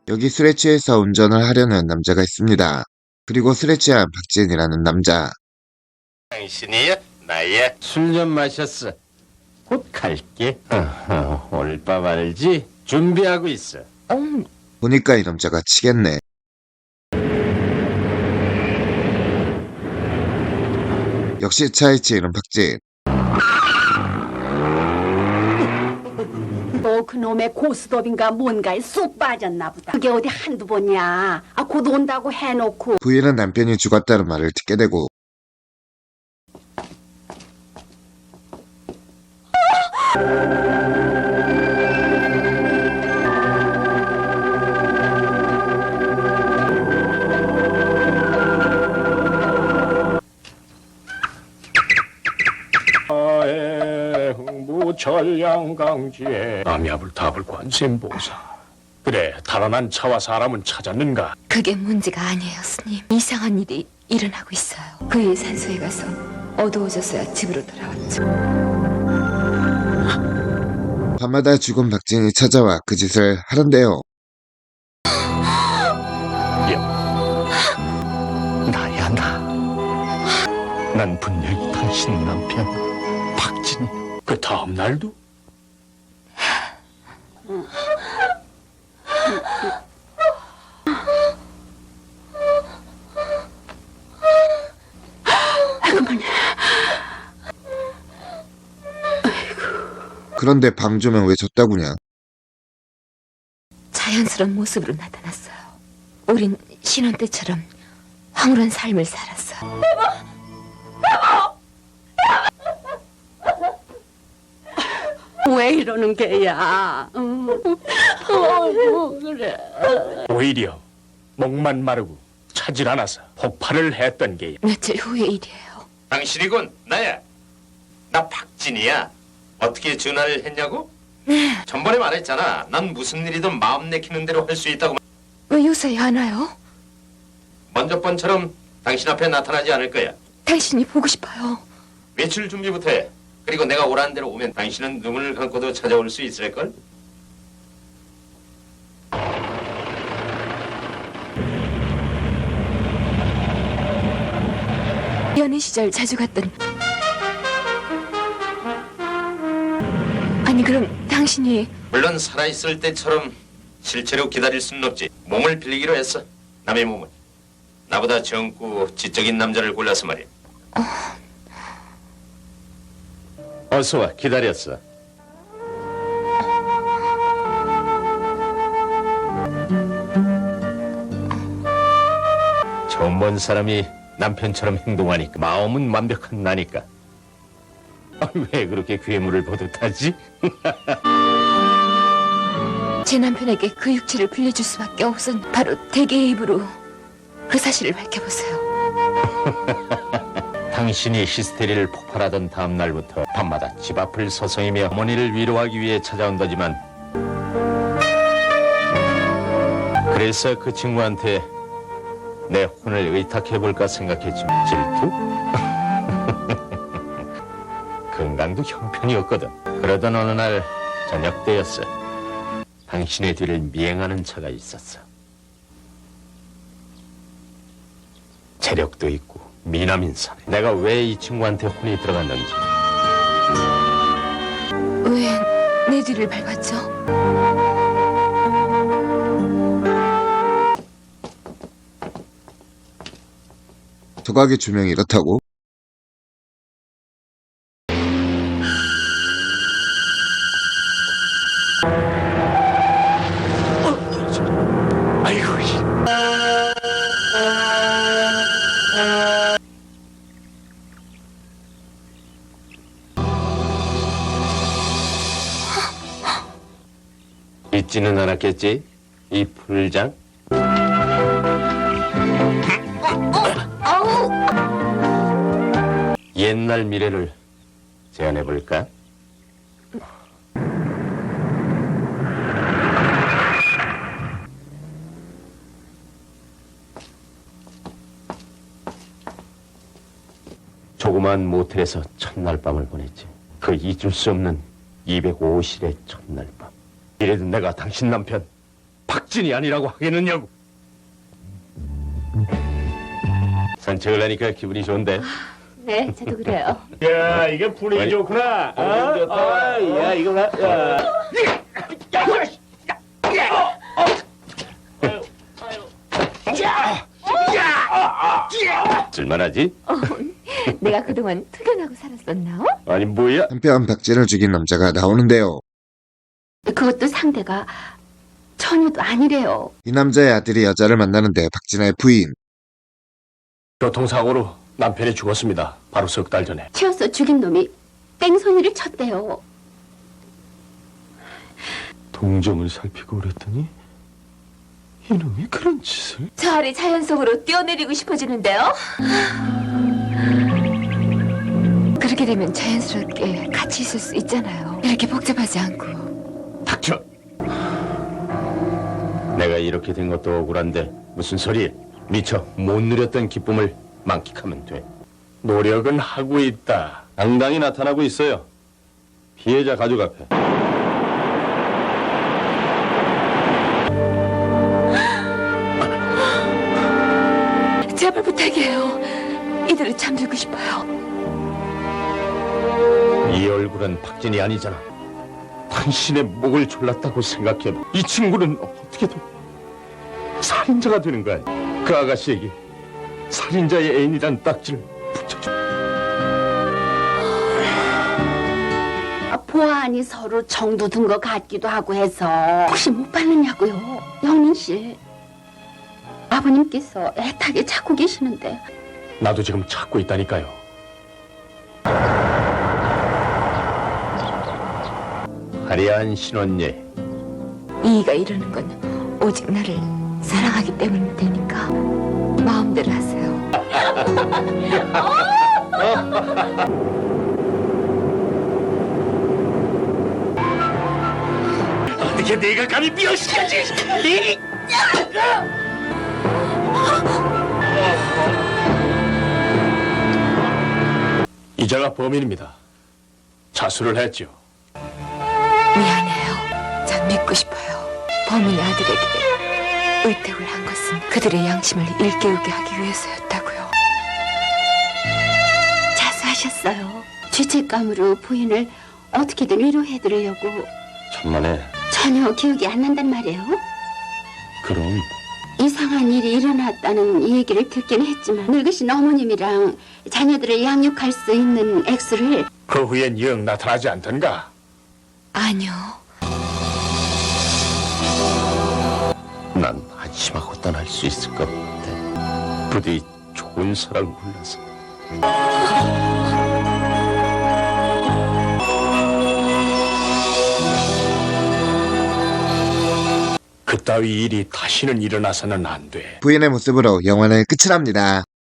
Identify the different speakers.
Speaker 1: 여기 술에 취해서 운전을 하려는 남자가 있습니다. 그리고 술에 취한 박지은이라는 남자.
Speaker 2: 당신이 나의 술 좀 마셨어. 곧 갈게. 오늘 밤 알지? 준비하고 있어.
Speaker 1: 보니까 이 남자가 치겠네. 역시 차에 치이는 박지은.
Speaker 3: 또 그놈의 고스톱인가 뭔가에 쏙 빠졌나 보다. 그게 어디 한두 번이야. 곧 온다고 해놓고.
Speaker 1: 부인은 남편이 죽었다는 말을 듣게 되고
Speaker 2: 흥부철량강지에 암야불답을 관세음보사. 그래, 달아난 차와 사람은 찾았는가?
Speaker 4: 그게 문제가 아니에요, 스님. 이상한 일이 일어나고 있어요. 그의 산소에 가서 어두워져서야 집으로 돌아왔죠.
Speaker 1: 밤마다 죽은 박지은이 찾아와 그 짓을 하는데요.
Speaker 2: 나야, 나. 난 분명히 당신 남편 박진이. 그 다음 날도?
Speaker 1: 그런데 방조면 왜 졌다구냐?
Speaker 4: 자연스러운 모습으로 나타났어요. 우린 신혼 때처럼 황홀한 삶을 살았어요.
Speaker 3: 왜 이러는 게야? 그래.
Speaker 2: 오히려 목만 마르고 차질 않아서 폭발을 했던 게야.
Speaker 4: 며칠 후의 일이에요.
Speaker 5: 당신이군, 나야. 나 박진이야. 어떻게 전화를 했냐고?
Speaker 4: 네.
Speaker 5: 전번에 말했잖아. 난 무슨 일이든 마음 내키는 대로 할 수 있다고.
Speaker 4: 왜 요새 안 와요?
Speaker 5: 먼저 번처럼 당신 앞에 나타나지 않을 거야.
Speaker 4: 당신이 보고 싶어요.
Speaker 5: 외출 준비부터 해. 그리고 내가 오라는 대로 오면 당신은 눈을 감고도 찾아올 수 있을걸?
Speaker 4: 연애 시절 자주 갔던. 아니 그럼 당신이
Speaker 5: 물론 살아있을 때처럼 실제로 기다릴 수는 없지. 몸을 빌리기로 했어. 남의 몸을. 나보다 젊고 지적인 남자를 골라서 말이야.
Speaker 2: 어서 와, 기다렸어. 처음 본 사람이 남편처럼 행동하니까 마음은 완벽한 나니까. 왜 그렇게 괴물을 보듯 하지?
Speaker 4: 제 남편에게 그 육체를 빌려줄 수밖에 없은 바로 대개의 입으로 그 사실을 밝혀보세요.
Speaker 2: 당신이 히스테리를 폭발하던 다음 날부터 밤마다 집 앞을 서성이며 어머니를 위로하기 위해 찾아온다지만, 그래서 그 친구한테 내 혼을 의탁해볼까 생각했지만 질투? 건강도 형편이었거든. 그러던 어느 날 저녁 때였어. 당신의 뒤를 미행하는 차가 있었어. 재력도 있고 미남인 사내. 내가 왜 이 친구한테 혼이 들어갔는지.
Speaker 4: 왜 내 뒤를 밟았죠?
Speaker 1: 조각의 조명이 이렇다고?
Speaker 2: 아이고. 잊지는 않았겠지? 이 풀장? 옛날 미래를 제안해볼까? 조그만 모텔에서 첫날 밤을 보냈지. 그 잊을 수 없는 205실의 첫날 밤. 이래도 내가 당신 남편 박진이 아니라고 하겠느냐고. 산책을 하니까 기분이 좋은데.
Speaker 4: 네, 저도 그래요.
Speaker 2: 야, 이게 분위기 좋구나. 좋다. 야, 이거 봐. 쓸만하지?
Speaker 4: 내가 그동안 특연하고 살았었나?
Speaker 2: 아니 뭐야?
Speaker 1: 한편 박진을 죽인 남자가 나오는데요.
Speaker 3: 그것도 상대가 전혀도 아니래요.
Speaker 1: 이 남자의 아들이 여자를 만나는데 박진아의 부인.
Speaker 2: 교통사고로 남편이 죽었습니다. 바로 석 달 전에.
Speaker 3: 치어서 죽인 놈이 땡손이를 쳤대요.
Speaker 2: 동정을 살피고 그랬더니 이놈이 그런 짓을?
Speaker 4: 저 아래 자연 속으로 뛰어내리고 싶어지는데요? 그렇게 되면 자연스럽게 같이 있을 수 있잖아요. 이렇게 복잡하지 않고.
Speaker 2: 닥쳐! 내가 이렇게 된 것도 억울한데 무슨 소리? 미처 못 누렸던 기쁨을 만끽하면 돼. 노력은 하고 있다. 당당히 나타나고 있어요. 피해자 가족 앞에.
Speaker 4: 제발 부탁이에요. 이대로 잠들고 싶어요.
Speaker 2: 이 얼굴은 박진이 아니잖아. 당신의 목을 졸랐다고 생각해도 이 친구는 어떻게든 살인자가 되는 거야. 그 아가씨에게 살인자의 애인이란 딱지를 붙여줘.
Speaker 3: 보아하니 서로 정도 든 것 같기도 하고 해서 혹시 못 받느냐고요. 영민 씨. 아버님께서 애타게 찾고 계시는데.
Speaker 2: 나도 지금 찾고 있다니까요. 화려한 신혼예.
Speaker 4: 이이가 이러는 건 오직 나를 사랑하기 때문일 테니까 마음대로 하세요.
Speaker 2: 어떻게 내가 감히 미워시켜지? 이자가 범인입니다. 자수를 했죠.
Speaker 4: 미안해요. 전 믿고 싶어요. 범인의 아들에게 의택을 한 것은 그들의 양심을 일깨우게 하기 위해서였다고요.
Speaker 3: 자수하셨어요. 죄책감으로 부인을 어떻게든 위로해드리려고.
Speaker 2: 천만에.
Speaker 3: 전혀 기억이 안 난단 말이에요.
Speaker 2: 그럼
Speaker 3: 이상한 일이 일어났다는 얘기를 듣긴 했지만 늙으신 어머님이랑 자녀들을 양육할 수 있는 액수를
Speaker 2: 그 후엔 영 나타나지 않던가.
Speaker 4: 아니요.
Speaker 2: 난 안심하고 떠날 수 있을 것 같아. 부디 좋은 사람 골라서. 그따위 일이 다시는 일어나서는 안 돼.
Speaker 1: 부인의 모습으로 영화는 끝이 납니다.